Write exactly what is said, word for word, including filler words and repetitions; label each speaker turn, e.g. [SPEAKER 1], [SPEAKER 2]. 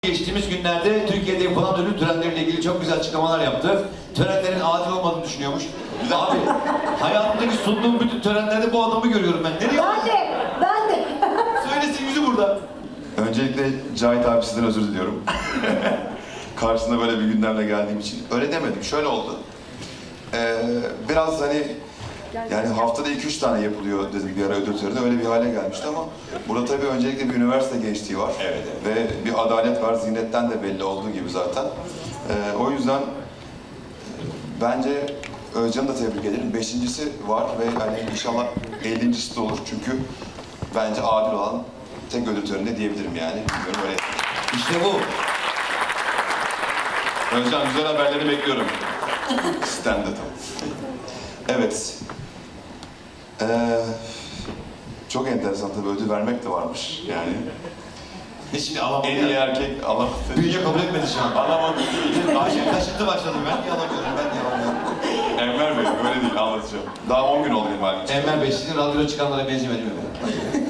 [SPEAKER 1] Geçtiğimiz günlerde Türkiye'de yapılan ödül törenleriyle ilgili çok güzel açıklamalar yaptı. Törenlerin adil olmadığını düşünüyormuş. Abi, hayatımdaki sunduğum bütün törenlerde bu adamı görüyorum ben. Nereye?
[SPEAKER 2] Ben de, ben de.
[SPEAKER 1] Söylesin yüzü burada.
[SPEAKER 3] Öncelikle Cahit abi sizden özür diliyorum. Karşısında böyle bir gündemle geldiğim için. Öyle demedim, şöyle oldu. Ee, biraz hani, yani haftada iki üç tane yapılıyor dedim bir ara ödül töreni, öyle bir hale gelmişti ama burada tabii öncelikle bir üniversite gençliği var.
[SPEAKER 1] Evet, evet.
[SPEAKER 3] Ve bir adalet var, zihnetten de belli olduğu gibi zaten. Ee, o yüzden bence Özcan'ı da tebrik ederim. Beşincisi var ve hani inşallah ellincisi de olur çünkü bence adil olan tek ödül töreni diyebilirim yani. Bilmiyorum, öyle.
[SPEAKER 1] İşte bu.
[SPEAKER 3] Özcan, güzel haberleri bekliyorum. Sizden de tabii. Evet. Ee, çok enteresan tabii, ödül vermek de varmış yani.
[SPEAKER 1] Hiç şimdi alamadım
[SPEAKER 3] En iyi
[SPEAKER 1] ya.
[SPEAKER 3] erkek alamadı.
[SPEAKER 1] Bünye kabul etmedi şu an.
[SPEAKER 3] Alamadı değil.
[SPEAKER 1] Ayşe kaşıntı başladı. Ben yalamıyorum, ben yalamıyorum.
[SPEAKER 3] Enver Bey, öyle değil, anlatacağım. Daha on gün oldu benim halim.
[SPEAKER 1] Enver Bey, sizin radyoda çıkanlara benzemedim mi?